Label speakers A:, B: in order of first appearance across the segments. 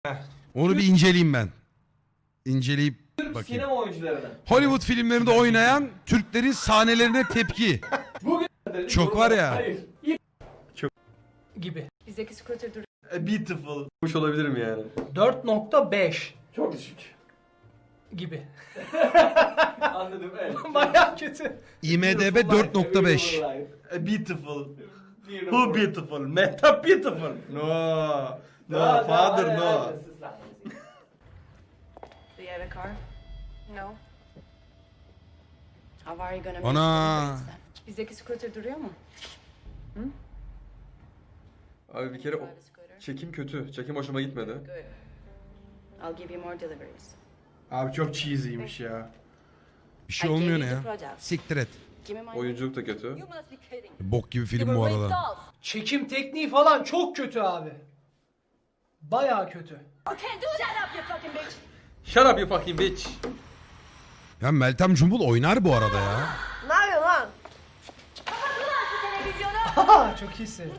A: Onu bir inceleyeyim ben. İnceleyip bakayım.
B: Sinema oyuncularına.
A: Hollywood filmlerinde oynayan Türklerin sahnelerine tepki. Çok var ya.
B: Hayır.
C: Gibi.
D: Bizdeki scooter duruyor.
E: Beautiful. Hoş olabilirim yani.
C: 4.5
B: Çok düşük.
C: gibi.
B: Anladım evet.
C: Bayağı kötü.
A: IMDB 4.5.
E: Beautiful. Who beautiful? Meta beautiful. No. No, father no.
D: Do you have a car? No. How are you gonna
A: Ana.
D: make it? Bizdeki scooter duruyor mu?
E: Abi bir kere
D: Drive a scooter.
E: çekim kötü. Çekim hoşuma gitmedi.
D: Good. I'll give you more deliveries.
F: Abi çok cheesy'ymiş ya.
A: Bir şey olmuyor ne ya?
D: Product.
A: Siktir et.
D: Give me my
E: Oyunculuk da kötü.
D: You must be kidding.
A: Bok gibi film bu arada.
C: Çekim tekniği falan çok kötü abi. Bayağı kötü.
D: You can't do that up, you fucking bitch.
E: Shut up you fucking bitch.
A: Ya Meltem Cumbul oynar bu arada ya.
D: Ne yapıyorsun lan?
C: Haha çok iyisin.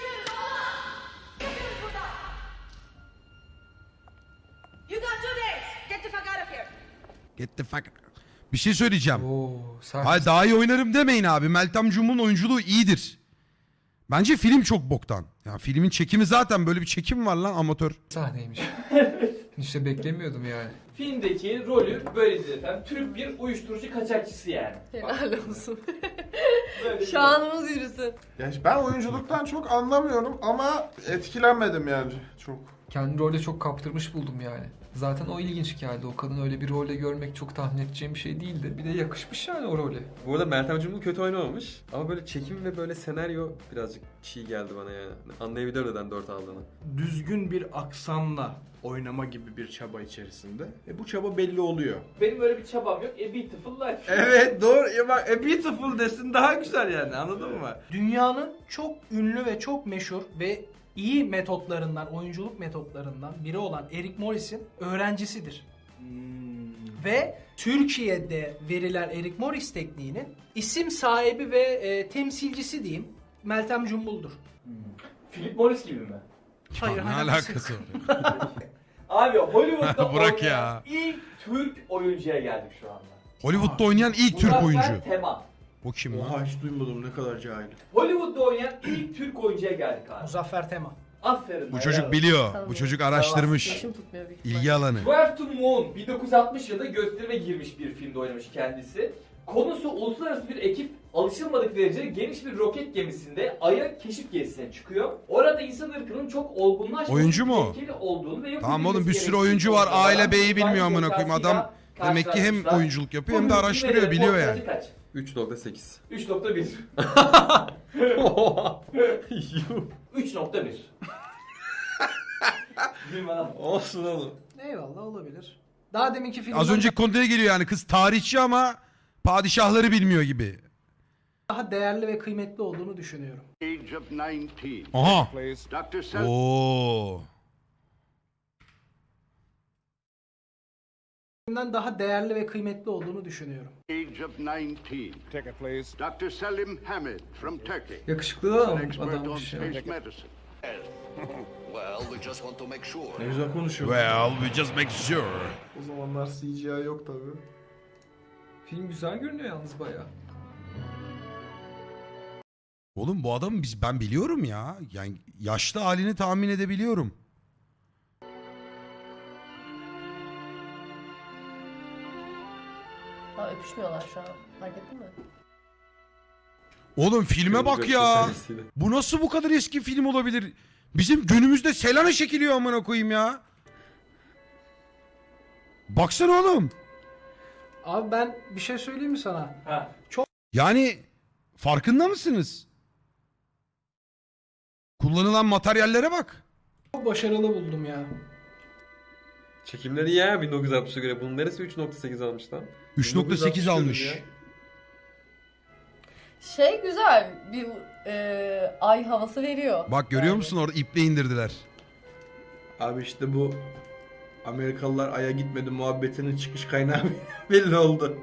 D: You got 2 days. Get the fuck out of here.
A: Get the fuck. Bir şey söyleyeceğim.
G: Oo, sert.
A: Hayır daha iyi oynarım demeyin abi. Meltem Cumbul'un oyunculuğu iyidir. Bence film çok boktan. Ya filmin çekimi zaten böyle bir çekim var lan amatör.
G: Sahneymiş. İşte beklemiyordum yani.
B: Filmdeki rolü böyledir efendim. Türk bir uyuşturucu kaçakçısı yani.
H: Helal olsun.
B: Böyle bir-
H: Şanımız yürüsün.
F: Ya ben oyunculuktan çok anlamıyorum ama etkilenmedim yani çok.
G: Kendi rolde çok kaptırmış buldum yani. Zaten o ilginç geldi. O kadını öyle bir rolde görmek çok tahmin edeceğim bir şey değildi. Bir de yakışmış yani o role.
E: Bu arada Meltem Cumbul kötü oynamamış. Ama böyle çekim ve böyle senaryo birazcık çiğ geldi bana yani. Anlayabilirim neden 4 aldığını.
F: Düzgün bir aksanla oynama gibi bir çaba içerisinde. Bu çaba belli oluyor.
B: Benim öyle bir çabam yok. A Beautiful Life.
F: Evet doğru. Ya bak beautiful desin daha güzel yani anladın mı?
C: Dünyanın çok ünlü ve çok meşhur ve iyi metotlarından, oyunculuk metotlarından biri olan Eric Morris'in öğrencisidir. Ve Türkiye'de verilen Eric Morris tekniğinin isim sahibi ve temsilcisi diyeyim Meltem Cumbul'dur.
B: Philip Morris gibi mi?
C: Hayır,
A: ne
C: hayır,
A: alakası var?
B: Abi Hollywood'da
A: Bırak
B: oynayan
A: ya.
B: ilk Türk oyuncuya geldik şu anda.
A: Hollywood'da oynayan ilk Türk oyuncu.
B: Muzaffer Tema.
A: O kim lan?
F: Oha hiç duymadım ne kadar cahil.
B: Hollywood'da oynayan ilk Türk oyuncuya geldik abi.
C: Muzaffer Tema.
B: Aferin.
A: Bu çocuk biliyor. Bu çocuk araştırmış.
H: Yaşım tutmuyor büyük
A: İlgi alanı.
B: Where to Moon 1960 yılında gösterime girmiş bir filmde oynamış kendisi. Konusu uluslararası bir ekip alışılmadık derecede geniş bir roket gemisinde Ay'a keşif gezisine çıkıyor. Orada insan ırkının çok olgunlaşmış
A: Oyuncu mu?
B: tehlikeli olduğunu ve yok
A: Tamam oğlum bir
B: edilmesi
A: sürü
B: gerektiğini
A: oyuncu var.
B: konuşuyorlar.
A: Aile B'yi bilmiyor amına
B: İnsan
A: koyayım. Adam
B: zekasıyla
A: demek ki hem
B: karşılaşmışlar.
A: oyunculuk yapıyor hem de
B: Bu
A: araştırıyor,
B: filmlerin
A: biliyor
B: ortalaması
A: yani.
B: kaç?
E: 3.8.
B: 3.1.
E: Yuh.
B: 3.1. Bilmem lan.
E: Olsun oğlum.
C: Eyvallah olabilir. Daha deminki filmden
A: Az önceki konuya geliyor yani kız tarihçi ama padişahları bilmiyor gibi.
C: daha değerli ve kıymetli olduğunu düşünüyorum.
I: Age of 19.
A: Aha.
I: Dr. Sel
A: Oo.
C: Filmden daha değerli ve kıymetli olduğunu düşünüyorum.
I: Age of 19. Dr. Selim Hamid from Turkey.
G: Yakışıklı da
I: An expert on
G: adammış ya.
I: space medicine.
J: Well, we just want to make sure.
F: Ne güzel konuşuyor.
A: Well, we just make sure.
F: O zamanlar CGI yok tabi.
G: Film güzel görünüyor yalnız bayağı.
A: Oğlum bu adamı ben biliyorum ya. Yani yaşlı halini tahmin edebiliyorum.
H: Ha, öpüşmüyorlar şu an. Fark ettin mi?
A: Oğlum filme bak ya. Bu nasıl bu kadar eski film olabilir? Bizim günümüzde Selena çekiliyor amına koyayım ya. Baksana oğlum.
C: Abi ben bir şey söyleyeyim mi sana?
B: Ha.
A: Yani farkında mısınız? Kullanılan materyallere bak.
C: Çok başarılı buldum ya.
E: Çekimleri iyi ya 1960'a göre. Bunun neresi 3.8 almış lan?
A: 3.8 almış.
E: Ya.
H: Şey güzel. Bir ay havası veriyor.
A: Bak görüyor musun orada iple indirdiler.
F: Abi işte bu Amerikalılar Ay'a gitmedi muhabbetinin çıkış kaynağı belli oldu.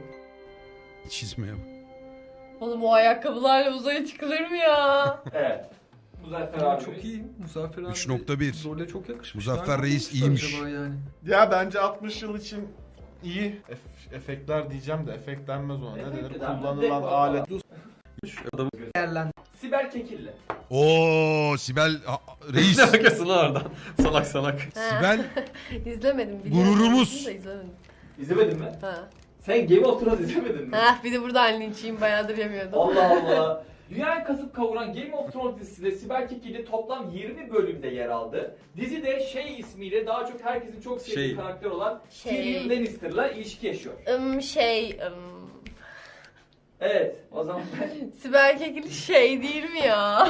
A: Çizmeye bak.
H: Oğlum o ayakkabılarla uzaya çıkılır mı ya?
B: Evet. Muzaffer
G: Ama
B: abimiz.
G: çok iyi. Muzaffer abi
A: 3.1.
G: role çok yakışmış.
A: Muzaffer
G: Nereden
A: Reis
G: bulmuşlar
A: iyiymiş.
G: acaba yani?
K: Ya bence 60 yıl için iyi. Efektler diyeceğim de efekt denmez ona. Ne
B: Efekt
K: denir?
B: denmez.
K: Kullanılan
B: Dekor
K: alet.
E: Adamın
C: Değerlendir.
B: Sibel Kekilli.
A: Oo Sibel reis.
E: ne alakası lan oradan? Salak salak.
A: Sibel
H: İzlemedim. biliyorum.
A: Gururumuz.
H: Da izlemedim.
B: İzlemedin mi?
H: Ha.
B: Sen Game of Thrones izlemedin mi?
H: Ha, bir de buradan linçiyim, bayağıdır yemiyordum.
B: Allah Allah. Dünyayı kasıp kavuran Game of Thrones dizisinde Sibel Kekilli toplam 20 bölümde yer aldı. Dizide Shay ismiyle daha çok herkesin çok sevdiği
E: Şey.
B: karakter olan
H: Şey.
B: Tyrion Lannister'la ilişki yaşıyor. Evet, o zaman
H: Sibel Kekilli şey değil mi ya?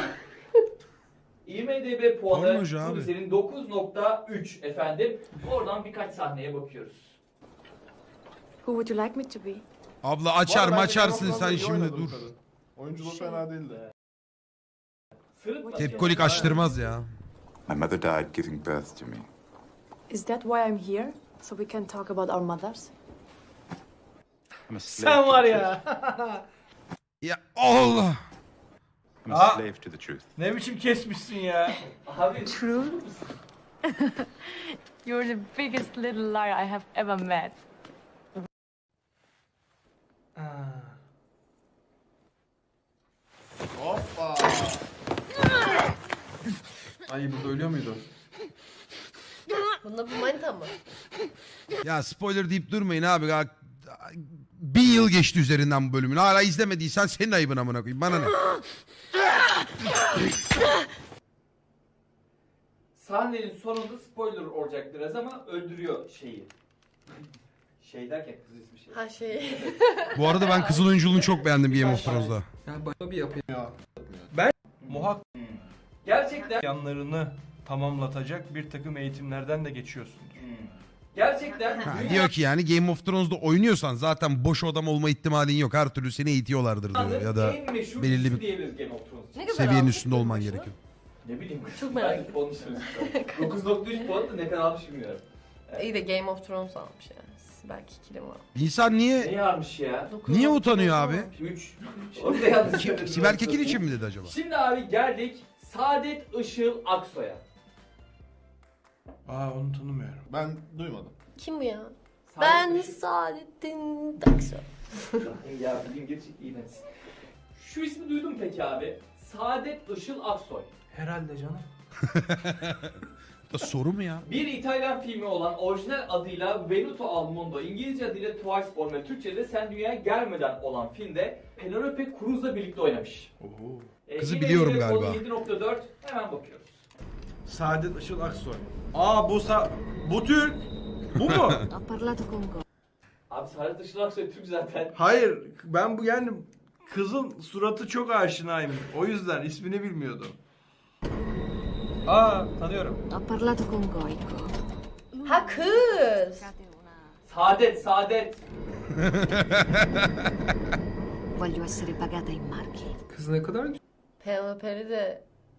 B: IMDb puanı
A: Pornocu
B: bu
A: abi.
B: dizinin 9.3 efendim. Oradan birkaç sahneye bakıyoruz.
D: Who would you like me to be?
A: abla
K: Bu
A: açar
K: arada
A: mı
K: bence
A: açarsın
K: Game of
A: sen
K: Thrones'da iyi
A: şimdi
K: oynadı bu
A: dur.
K: kadın. Oyunculuğu fena değildi.
B: Sırıtma.
A: Tepkolik açtırmaz ya.
I: My mother died giving birth to me.
D: Is that why I'm here? So we can talk about our mothers?
I: I'm a slave
C: Sen
I: to
C: var
I: the
C: ya.
A: Ya Allah.
I: truth. I'm a
K: Ah.
I: slave to the truth.
K: Ne biçim kesmişsin ya?
B: Abi
D: You're the biggest little liar I have ever met.
K: Hoppa.
E: Ay burada ölüyor muydu?
H: Bunda bu manita mı?
A: Ya spoiler deyip durmayın abi. Ya, 1000 yıl geçti üzerinden bu bölümün. Hala izlemediysen senin ayıbın amına koyayım. Bana ne?
B: sahnenin sonunda spoiler olacak biraz ama öldürüyor şeyi. Şey derken kız ismi şey.
H: Ha şey.
A: Bu arada ben kızıl oyunculuğunu çok beğendim Game of Thrones'da.
G: Yani başka bir yapı.
K: Muhakkak
B: Gerçekten
K: yanlarını tamamlatacak bir takım eğitimlerden de geçiyorsundur.
B: gerçekten
A: Ha,
B: dünya-
A: diyor ki yani Game of Thrones'da oynuyorsan zaten boş adam olma ihtimalin yok. Her türlü seni eğitiyorlardır diyor. Ya da
B: en meşhur
A: belirli
B: dizisi
A: bir
B: diyebiliriz Game of Thrones için.
H: Ne kadar
A: seviyenin
H: almış
A: üstünde olman
H: başına?
A: gerekiyor.
B: Ne bileyim.
H: Çok merak
B: Ben de konuşuruz. 9.3 puan da ne kadar almış bilmiyorum.
H: İyi de Game of Thrones almış yani. Sibel Kekilli mi almış?
A: İnsan niye
B: Ne yarmış ya?
A: niye utanıyor abi?
B: 3. Orada yanlış söyledim.
A: Sibel Kekil için mi dedi acaba?
B: Şimdi abi geldik Saadet Işıl Aksoy'a.
K: Aa onu tanımıyorum. Ben duymadım.
H: Kim bu ya?
B: Saadet
H: Ben
B: Işıl-
H: Saadettin Taksoy.
B: Ya İngilizce iğrenç. Şu ismi duydun mu peki abi? Saadet Işıl Aksoy.
C: Herhalde canım.
A: Bu da soru mu ya?
B: Bir İtalyan filmi olan orijinal adıyla Venuto al Mondo, İngilizce adıyla Twice Born ve Türkçe'de Sen Dünyaya Gelmeden olan filmde Penelope Cruz'la birlikte oynamış.
A: Kızı biliyorum
B: IMDb
A: galiba.
B: kodu 7.4 hemen bakıyoruz.
K: Saadet Işıl Aksoy. Aa bu Türk. Bu mu?
D: Ho parlato con Go.
B: Abi Saadet Işıl Aksoy Türk zaten.
K: Hayır, ben bu yani kızın suratı çok aşinayım. O yüzden ismini bilmiyordum. Aa, tanıyorum.
D: Ho parlato con Goico.
H: Ha kız.
B: Saadet.
D: Voglio essere pagata in marchi.
G: Kız ne kadar
H: Penelope'li de...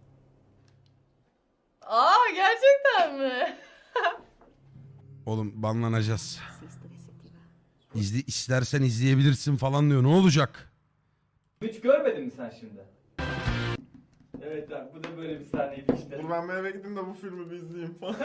H: Aa, gerçekten mi?
A: Oğlum banlanacağız.
D: Esistere se ti va.
A: İstersen izleyebilirsin falan diyor. Ne olacak?
B: Hiç görmedin mi sen şimdi? Evet abi bu da böyle bir sahneydi işte.
K: Dur ben bir eve gideyim de bu filmi bir izleyeyim falan.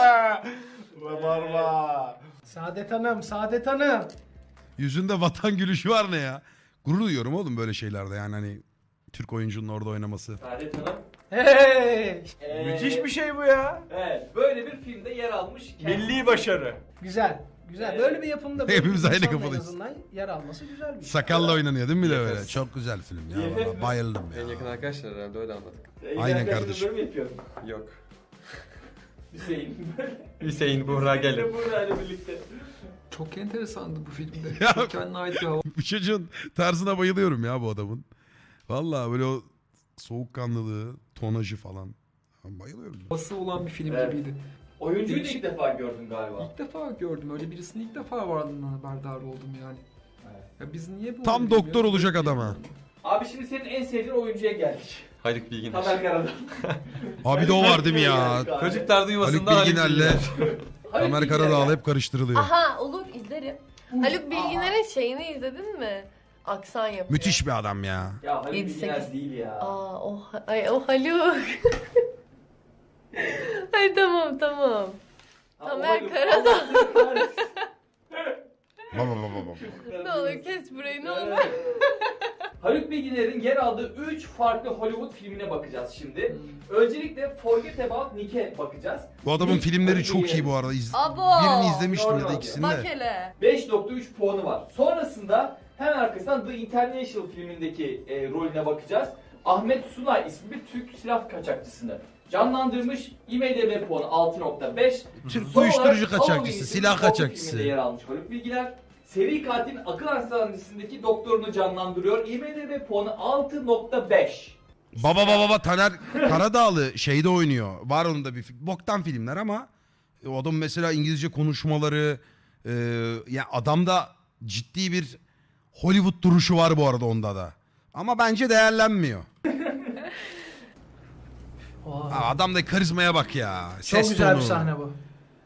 K: Rabarba.
C: Saadet Hanım, Saadet Hanım.
A: Yüzünde vatan gülüşü var ne ya? Gurur duyuyorum oğlum böyle şeylerde yani hani Türk oyuncunun orada oynaması.
B: Saadet Hanım.
C: Hey!
K: Müthiş bir şey bu ya.
B: Evet böyle bir filmde yer almış.
K: Milli başarı.
C: Güzel. Güzel. Böyle bir yapımda böyle
A: Hepimiz
C: bir
A: aynı
C: insanla en
A: kafadayız.
C: azından yer alması güzel bir şey.
A: Sakalla oynanıyor değil mi bir de
E: Yes.
A: böyle? Çok güzel film ya.
B: Yes.
A: Vallahi bayıldım
E: En yakın
A: ya.
E: arkadaşlar herhalde öyle anladık.
A: Aynen kardeşim.
B: Böyle mi yapıyorum?
E: Yok.
B: Hüseyin böyle.
E: Hüseyin Buğra gelin.
B: Buğra'yla birlikte.
G: çok enteresandı bu filmde.
A: Ya-
G: Çok kendine ait bir hava.
A: Bu çocuğun tarzına bayılıyorum ya bu adamın. Vallahi böyle o soğukkanlılığı, tonajı falan. Ben bayılıyorum.
G: Havası olan bir film
B: Evet.
G: gibiydi.
B: Oyuncuyu da
G: Değişik.
B: ilk defa gördüm galiba.
G: İlk defa gördüm. Öyle birisini ilk defa varlığından haberdar oldum yani.
B: Evet.
G: Ya biz niye bunu
A: Tam
G: bilmiyoruz?
A: doktor olacak adam ha.
B: Abi şimdi senin en sevdiğin oyuncuya geldik.
E: Haluk Bilginer.
B: Tamer Karadağ.
A: Abi de o var değil mi ya?
E: Çocuklar duymasın
A: Haluk
E: da
A: Bilginer'le Tamer
B: Bilginer
A: Karadağ'la
B: ya.
A: hep karıştırılıyor.
H: Aha, olur izlerim. Haluk Bilginer'in şeyini izledin mi? Aksan yapıyor.
A: Müthiş bir adam ya.
B: Ya Haluk
H: 7-8.
B: Bilginer değil ya.
H: Aa o Haluk. Ay tamam.
B: Ha, o
H: Tamer
B: Haluk.
H: Karadağ.
B: Allah kahretsin.
A: Baba baba.
H: Ne olur kes burayı ne olur.
B: Haluk Bilginer'in yer aldığı 3 farklı Hollywood filmine bakacağız şimdi. Öncelikle Forget About Nick'e bakacağız.
A: Bu adamın
B: Nick,
A: filmleri
B: Haluk
A: çok
B: Bilginer'in
A: iyi bu arada.
H: Abo.
A: Birini izlemiştim ya da
B: Normal.
A: ikisini
H: Bak
A: de.
H: hele.
B: 5.3 puanı var. Sonrasında hemen arkasından The International filmindeki rolüne bakacağız. Ahmet Sunay ismi bir Türk silah kaçakçısını canlandırmış. IMDb puanı 6.5.
A: Türk
B: Son
A: uyuşturucu
B: olarak
A: kaçakçısı,
B: Halloween
A: silah
B: isimli korku
A: kaçakçısı.
B: filminde yer almış Haluk Bilginer. Seri katilin akıl hastanesindeki doktorunu canlandırıyor. IMDb puanı 6.5.
A: Baba Taner Karadağlı şeyde oynuyor. Var onun da bir boktan filmler ama o adam mesela İngilizce konuşmaları ya adamda ciddi bir Hollywood duruşu var bu arada onda da. Ama bence değerlenmiyor.
C: Oha.
A: Ha, adamda karizmaya bak ya.
C: Çok
A: Ses
C: güzel
A: tonu.
C: bir sahne bu.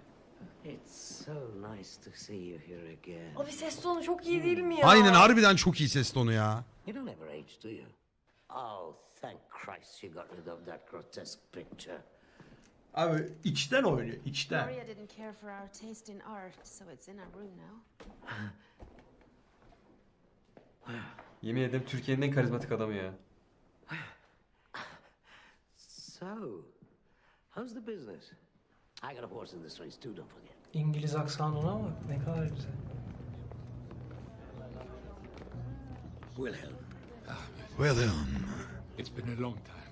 H: Abi ses tonu çok iyi değil mi ya?
A: Aynen harbiden çok iyi ses tonu ya.
J: You don't ever age, do you? Oh, thank Christ you got rid of that grotesque picture.
F: Abi içten oynuyor, içten.
D: Maria didn't care for our taste in art, so it's in our room now.
E: Yemin ederim Türkiye'nin en karizmatik adamı ya.
J: So, how's the business? I got a horse in this race too, don't forget.
C: İngiliz aksanı ona bak ne kadar güzel.
J: Wilhelm.
A: William.
I: It's been a long time.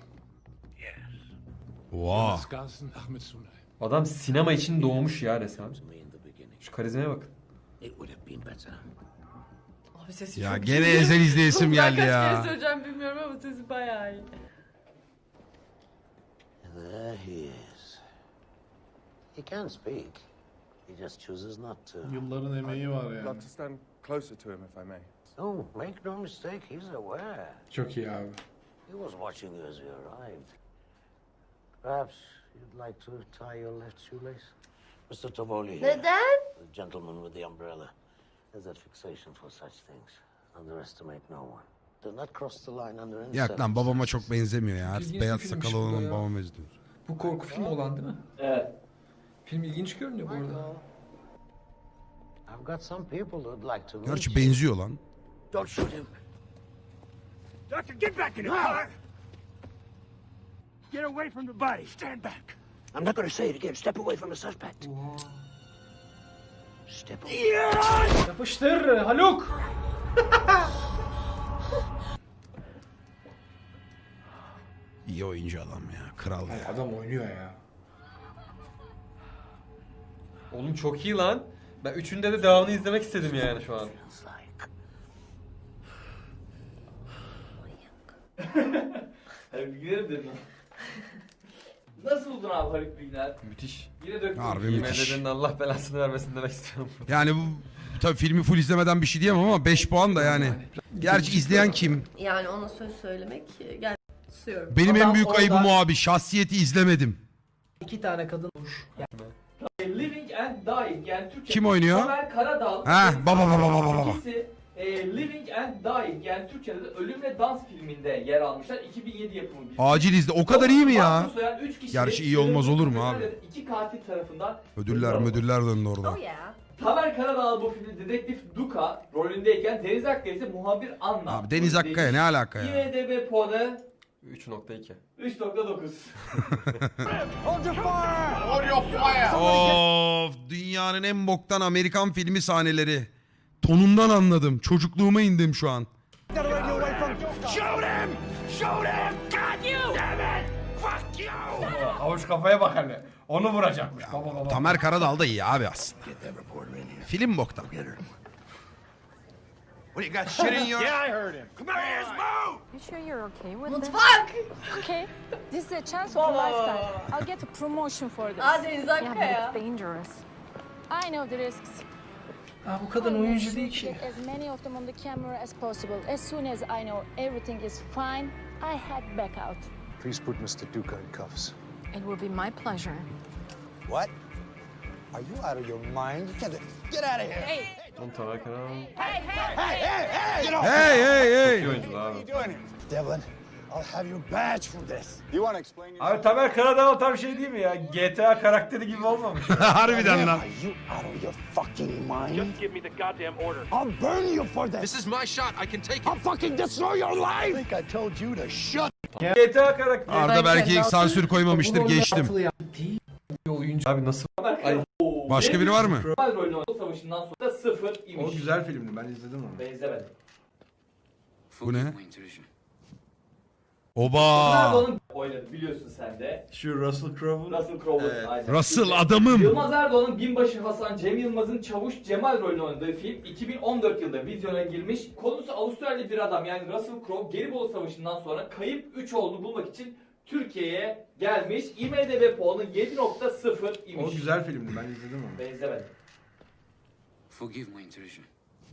A: Wow.
I: Skarsen, Ahmed Sunay.
E: Adam sinema için doğmuş ya resmen.
J: To me in the beginning.
E: Şu karizmaya bakın.
J: It would have been better.
H: Abi sesi
A: Ya
H: çok
A: gene
H: iyi.
A: Ezel izleyesim
H: Ben
A: geldi
H: kaç
A: ya.
H: kere söyleyeceğim bilmiyorum ama sesi bayağı iyi.
J: There he is. He can speak. He just chooses not to.
K: Yılların emeği var yani.
I: to stand closer to him, if I may.
J: Oh, make no mistake, he's aware.
F: Çok iyi abi.
J: He was watching you as you arrived. Perhaps you'd like to tie your left shoelace? Mr. Tovoli here.
H: Neden?
J: The gentleman with the umbrella. There's a fixation for such things. Underestimate no one. Do not cross the line under any
A: Yak lan babama çok benzemiyor ya.
G: İlginç bir
A: Beyaz
G: filmmiş
A: sakalı
G: bu da
A: olan
G: ya.
A: babama benziyor.
G: Bu korku filmi olan değil mi?
B: Evet.
G: Film ilginç görünüyor bu arada.
J: I've got some people who'd like to meet
A: Gerçi
J: you.
A: benziyor lan.
J: Don't shoot him.
I: Doctor, get back in the car! Get away from the body. Stand back.
J: I'm not going to say it again. Step away from the suspect. Step away.
C: Yapıştır Haluk.
A: İyi oyuncu adam ya. Kral ya.
F: Adam oynuyor ya.
E: Oğlum çok iyi lan. Ben üçünde de devamını izlemek istedim yani şu an.
J: Feels like.
B: Haluk Bilginer dedim. Nasıl buldun abi Haluk Bilginer?
E: Müthiş.
B: Yine döktüm.
A: Harbi müthiş.
E: IMDb'nin Allah belasını vermesin demek istiyorum.
A: Yani bu tabii filmi full izlemeden bir şey diyemem ama 5 puan da yani. Gerçi izleyen kim?
H: Yani ona söz söylemek gel susuyorum.
A: Benim en
C: Adam
A: büyük ayıbım
C: orada-
A: o abi. Şahsiyeti izlemedim.
C: 2 tane kadın olmuş.
B: Living and Dying yani Türkçe.
A: Kim oynuyor?
B: Tamer Karadağ.
A: Ha, baba.
B: İkisi Living and Dying yani Türkçe'de de Ölüm ve Dans filminde yer almışlar. 2007 yapımı bir film.
A: Acil izle. O kadar iyi mi ya?
B: Mahpus soyan üç kişi
A: Gerçi iyi olmaz olur mu
B: sürüldürülen
A: abi?
B: İki katil tarafından
A: Ödüller döndü orada.
H: Oh yeah.
B: Tamer Karadağ bu filmde dedektif Duka rolündeyken Deniz Akkaya ise muhabir Anna.
A: Abi Deniz Akkaya ne alaka ya?
B: IMDb puanı
E: 3.2.
B: 3.9.
A: Of, dünyanın en boktan Amerikan filmi sahneleri. Tonundan anladım. Çocukluğuma indim şu an.
K: Avuç kafaya bak hele. Onu vuracakmış. Baba.
A: Tamer Karadağ da iyi abi aslında. Film boktan.
I: What, you got shit in your... Yeah, I heard him. Come on, hands move!
D: You sure you're okay with
H: Mutfak.
D: Okay, this is a chance of a lifetime. I'll get a promotion for this.
H: Aa Deniz
D: Yeah, but
H: Akkaya.
D: it's dangerous. I know the risks.
C: Ha bu kadın oyuncu değil ki.
D: Get as many of them on the camera as possible. As soon as I know everything is fine, I head back out.
I: Please put Mr. Duca in cuffs.
D: It will be my pleasure.
I: What? Are you out of your mind? Get out of here!
D: Hey,
E: Oğlum Tamer Karadağlı
A: Hey hey hey.
E: iyi oyuncu abi.
I: Devlin, I'll have your badge for this. You want to explain yourself?
K: Abi Tamer Karadağlı tam şey değil mi ya? GTA karakteri gibi olmamış.
A: Harbiden lan.
I: Are you out of your fucking mind? Just give me the goddamn order. I'll burn you for this. This is my shot. I can take it. I'll fucking destroy your life. I think I told you to shut.
K: GTA karakteri.
A: Arda belki sansür koymamıştır, geçtim.
G: Bir oyuncu.
E: Abi nasıl?
A: Başka biri var mı?
B: Cemal rolünü oynadı. Savaşından sonra 0 imiş.
F: O güzel filmdi, ben izledim onu.
B: Benzemedim.
A: Bu ne?
B: Nerede
A: Oba.
B: onun oynadı biliyorsun sen de.
F: Şu Russell Crowe'un.
B: Russell Crowe'un
F: Evet.
B: aynen.
A: Russell adamım.
B: Yılmaz Erdoğan'ın binbaşı Hasan Cem Yılmaz'ın Çavuş Cemal rolünü oynadığı film 2014 yılında vizyona girmiş. Konusu Avustralyalı bir adam yani Russell Crowe Gelibolu Savaşı'ndan sonra kayıp 3 oğlunu bulmak için Türkiye'ye gelmiş. IMDb puanı 7.0 imiş.
F: O güzel filmdi, ben izledim onu.
B: Benzemedim.
J: Forgive my intrusion.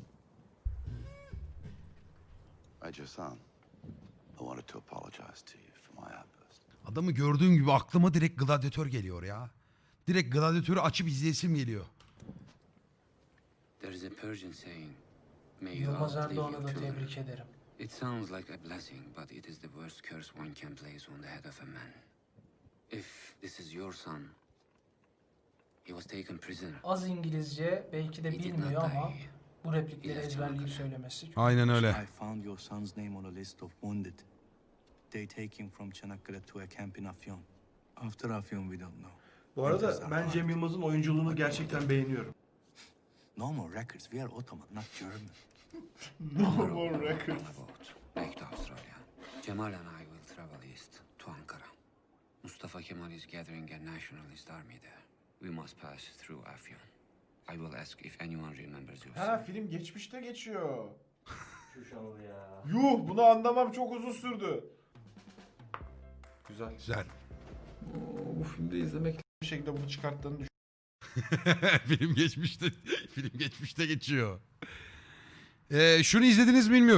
I: Major San, I wanted to apologize to you for my outburst.
A: Adamı gördüğüm gibi aklıma direkt Gladyatör geliyor ya. Direkt Gladyatör'ü açıp izleyesim geliyor.
J: There is a Persian saying, may you
C: Yılmaz
J: outlive
C: Erdoğan'ı
J: your
C: da
J: children.
C: tebrik ederim.
J: It sounds like a blessing, but it is the worst curse one can place on the head of a man. If this is your son, he was taken prisoner.
C: Az İngilizce belki de
J: He did
C: bilmiyor
J: not
C: ama
J: die.
C: bu replikleri ezberleyip söylemesi.
A: Aynen öyle.
L: I found your son's name on a list of wounded. They take him from Çanakkale to a camp in Afyon. After Afyon we don't know.
F: Bu arada ben Cem Yılmaz'ın oyunculuğunu gerçekten beğeniyorum.
L: No more records. We are Ottoman, not German.
I: No more records.
J: Back to Australia. Cemal and I will travel east to Ankara. Mustafa Kemal is gathering a nationalist army there. We must pass through Afyon. I will ask if anyone remembers your
K: Ha
J: son.
K: film geçmişte geçiyor.
B: Şu şanalı ya.
K: Yuh, bunu anlamam çok uzun sürdü.
E: Güzel.
A: Güzel.
G: Bu filmde izlemek
K: Bir şekilde bunu çıkarttığını
A: film geçmişte geçiyor. Şunu izlediniz mi bilmiyorum.